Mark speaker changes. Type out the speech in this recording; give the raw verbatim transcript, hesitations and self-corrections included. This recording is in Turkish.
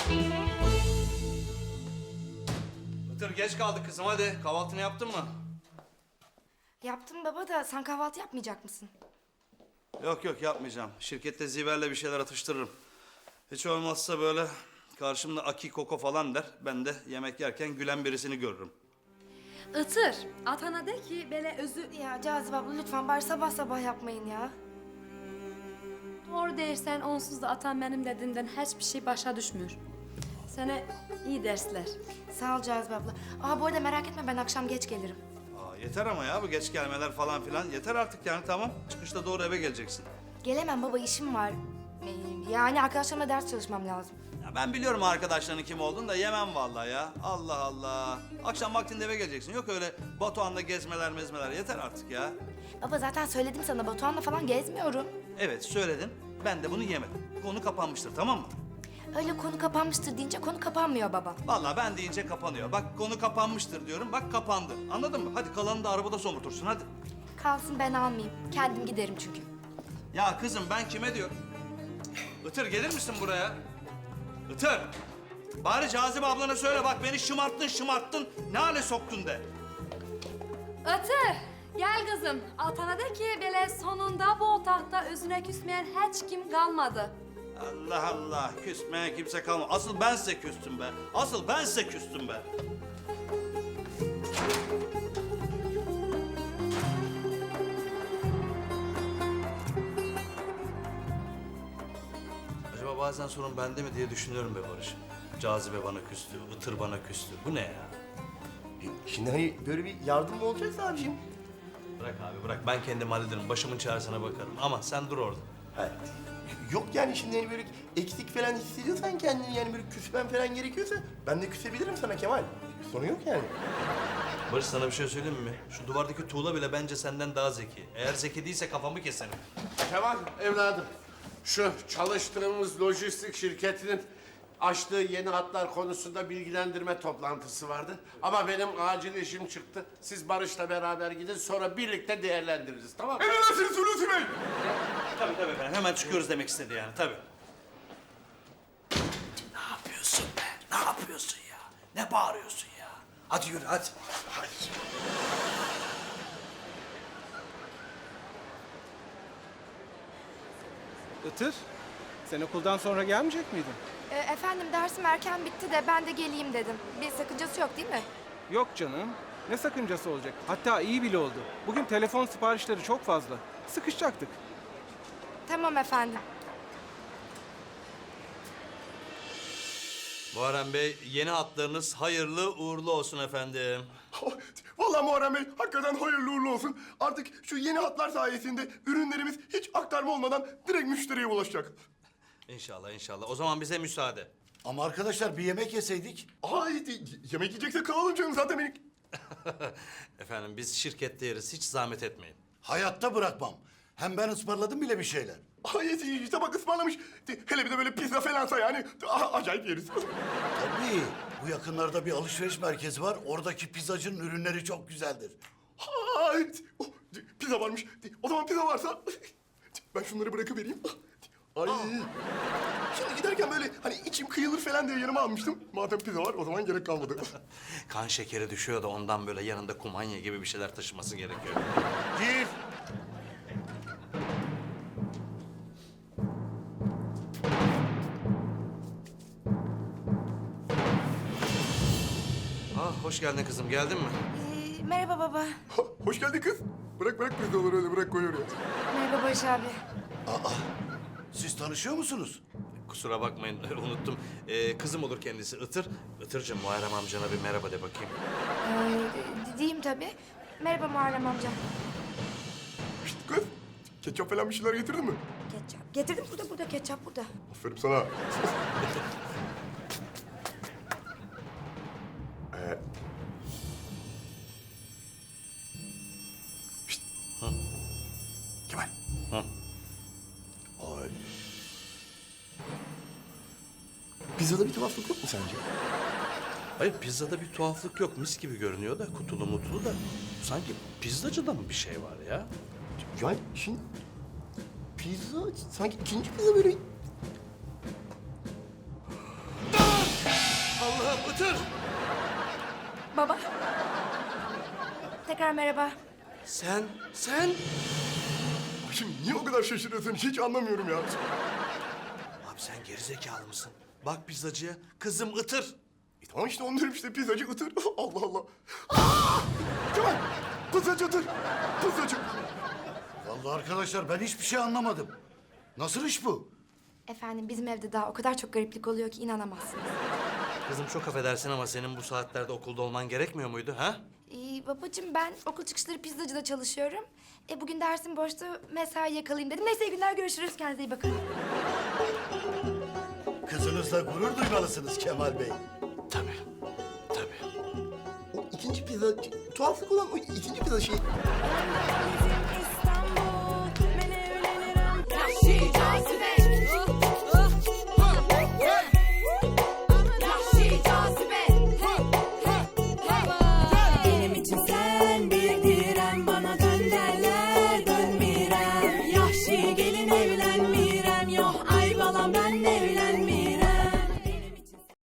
Speaker 1: Itır geç kaldık kızım, hadi. Kahvaltını yaptın mı?
Speaker 2: Yaptım baba da sen kahvaltı yapmayacak mısın?
Speaker 1: Yok yok, yapmayacağım. Şirkette Ziver'le bir şeyler atıştırırım. Hiç olmazsa böyle karşımda Aki Koko falan der. Ben de yemek yerken gülen birisini görürüm.
Speaker 3: Itır, atana de ki böyle özü...
Speaker 2: Ya Cazibe abla lütfen bari sabah sabah yapmayın ya.
Speaker 3: Doğru dersen onsuz da atan benim dediğimden hiçbir şey başa düşmüyor. Sana iyi dersler.
Speaker 2: Sağ ol Cazibe abla. Aa bu arada merak etme ben akşam geç gelirim.
Speaker 1: Aa, yeter ama ya bu geç gelmeler falan filan. Yeter artık yani, tamam. Çıkışta doğru eve geleceksin.
Speaker 2: Gelemem baba işim var. Ee, Yani arkadaşlarımla ders çalışmam lazım.
Speaker 1: Ya ben biliyorum arkadaşlarının kim olduğunu da yemem vallahi ya. Allah Allah. Akşam vaktinde eve geleceksin. Yok öyle Batuhan'la gezmeler mezmeler. Yeter artık ya.
Speaker 2: Baba zaten söyledim sana Batuhan'la falan gezmiyorum.
Speaker 1: Evet söyledin. Ben de bunu yemedim. Konu kapanmıştır, tamam mı?
Speaker 2: Öyle konu kapanmıştır deyince konu kapanmıyor baba.
Speaker 1: Vallahi ben deyince kapanıyor. Bak konu kapanmıştır diyorum. Bak kapandı. Anladın mı? Hadi kalanını da arabada somurtursun hadi.
Speaker 2: Kalsın ben almayayım. Kendim giderim çünkü.
Speaker 1: Ya kızım ben kime diyorum? Itır gelir misin buraya? Itır. Bari Cazibe ablana söyle, bak beni şımarttın şımarttın. Ne hale soktun de.
Speaker 3: Itır, gel kızım. Atana de ki böyle sonunda bu otaqda özüne küsmeyen hiç kim kalmadı.
Speaker 1: Allah Allah, küsmeye kimse kalmadı. Asıl ben size küstüm be. Asıl ben size küstüm be. Acaba bazen sorun bende mi diye düşünüyorum be Barış. Cazibe bana küstü, Itır bana küstü. Bu ne ya?
Speaker 4: E, Şimdi hani böyle bir yardım mı olacaksa abiciğim?
Speaker 1: Bırak abi bırak, ben kendim hallederim. Başımın çaresine bakarım. Ama sen dur orada.
Speaker 4: Ha, yok yani şimdi hani böyle eksik falan hissediyorsan kendini yani böyle küsmen falan gerekiyorsa ben de küsebilirim sana Kemal. Sorun yok yani.
Speaker 1: Barış sana bir şey söyleyeyim mi? Şu duvardaki tuğla bile bence senden daha zeki. Eğer zeki değilse kafamı keserim.
Speaker 5: Kemal evladım, şu çalıştığımız lojistik şirketinin açtığı yeni hatlar konusunda bilgilendirme toplantısı vardı. Ama benim acil işim çıktı. Siz Barış'la beraber gidin, sonra birlikte değerlendiririz, tamam mı?
Speaker 4: Emredersiniz Hulusi Bey.
Speaker 1: Tabii tabii efendim. Hemen çıkıyoruz demek istedi yani tabii. Ne yapıyorsun be? Ne yapıyorsun ya? Ne bağırıyorsun ya? Hadi yürü hadi. Hadi.
Speaker 6: Itır, sen okuldan sonra gelmeyecek miydin?
Speaker 2: Ee, efendim dersim erken bitti de ben de geleyim dedim. Bir sakıncası yok değil mi?
Speaker 6: Yok canım. Ne sakıncası olacak? Hatta iyi bile oldu. Bugün telefon siparişleri çok fazla. Sıkışacaktık.
Speaker 2: Tamam efendim.
Speaker 1: Muharrem Bey, yeni hatlarınız hayırlı uğurlu olsun efendim.
Speaker 4: Vallahi Muharrem Bey hakikaten hayırlı uğurlu olsun. Artık şu yeni hatlar sayesinde ürünlerimiz hiç aktarma olmadan direkt müşteriye ulaşacak.
Speaker 1: İnşallah inşallah. O zaman bize müsaade.
Speaker 7: Ama arkadaşlar bir yemek yeseydik.
Speaker 4: Ay yemek yiyecekse kalalım canım zaten benim.
Speaker 1: Efendim biz şirkette yeriz. Hiç zahmet etmeyin.
Speaker 7: Hayatta bırakmam. Hem ben ısmarladım bile bir şeyler.
Speaker 4: Ay işte bak ısmarlamış. Hele bir de böyle pizza falansa yani a- acayip yeriz.
Speaker 7: Tabii bu yakınlarda bir alışveriş merkezi var. Oradaki pizzacının ürünleri çok güzeldir.
Speaker 4: Ay, oh, pizza varmış. O zaman pizza varsa ben şunları bırakıvereyim. Ay. Şimdi giderken böyle hani içim kıyılır falan diye yanıma almıştım. Madem pizza var o zaman gerek kalmadı.
Speaker 1: Kan şekeri düşüyor da ondan böyle yanında kumanya gibi bir şeyler taşıması gerekiyor.
Speaker 7: Gir.
Speaker 1: Ah hoş geldin kızım. Geldin mi?
Speaker 2: Ee, merhaba baba.
Speaker 4: Hoş geldin kız. Bırak bırak pizzaları öyle bırak koy oraya.
Speaker 2: Merhaba Barış abi.
Speaker 7: Siz tanışıyor musunuz?
Speaker 1: Kusura bakmayın unuttum. Ee, kızım olur kendisi Itır. Itırcığım Muharrem amcana bir merhaba de bakayım.
Speaker 2: Ee, diyeyim tabii. Merhaba Muharrem amca.
Speaker 4: Şişt kız. Ketçap falan bir şeyler getirdin mi?
Speaker 2: Ketçap. Getirdim burada burada ketçap burada.
Speaker 4: Aferin sana. ee... Şişt. Kemal.
Speaker 1: Hı.
Speaker 4: Ay. Pizzada bir tuhaflık yok mu sence?
Speaker 1: Hayır pizzada bir tuhaflık yok. Mis gibi görünüyor da kutulu mutlu da. Sanki pizzacıda mı bir şey var ya?
Speaker 4: Yani şimdi pizza sanki ikinci pizza böyle...
Speaker 1: Itır!
Speaker 2: Baba. Tekrar merhaba.
Speaker 1: Sen, sen...
Speaker 4: Şimdi niye o kadar şaşırıyorsun hiç anlamıyorum ya.
Speaker 1: Abi sen gerizekalı mısın? Bak pizzacıya, kızım Itır.
Speaker 4: E tamam işte onu diyorum işte pizzacı ıtır. Allah Allah. Aa! Kemal! Pizzacı ıtır. Pizzacı.
Speaker 7: Vallahi arkadaşlar ben hiçbir şey anlamadım. Nasıl iş bu?
Speaker 2: Efendim bizim evde daha o kadar çok gariplik oluyor ki inanamazsınız.
Speaker 1: Kızım çok affedersin ama senin bu saatlerde okulda olman gerekmiyor muydu ha?
Speaker 2: Ee, babacığım ben okul çıkışları pizzacıda çalışıyorum. E, bugün dersim boştu, mesai yakalayayım dedim. Neyse iyi günler, görüşürüz. Kendinize iyi bakın.
Speaker 7: Kızınızla gurur duymalısınız Kemal Bey.
Speaker 1: Tabii, tabii.
Speaker 4: O ikinci pizza, tuhaflık olan o ikinci pizza şey.
Speaker 2: Bizim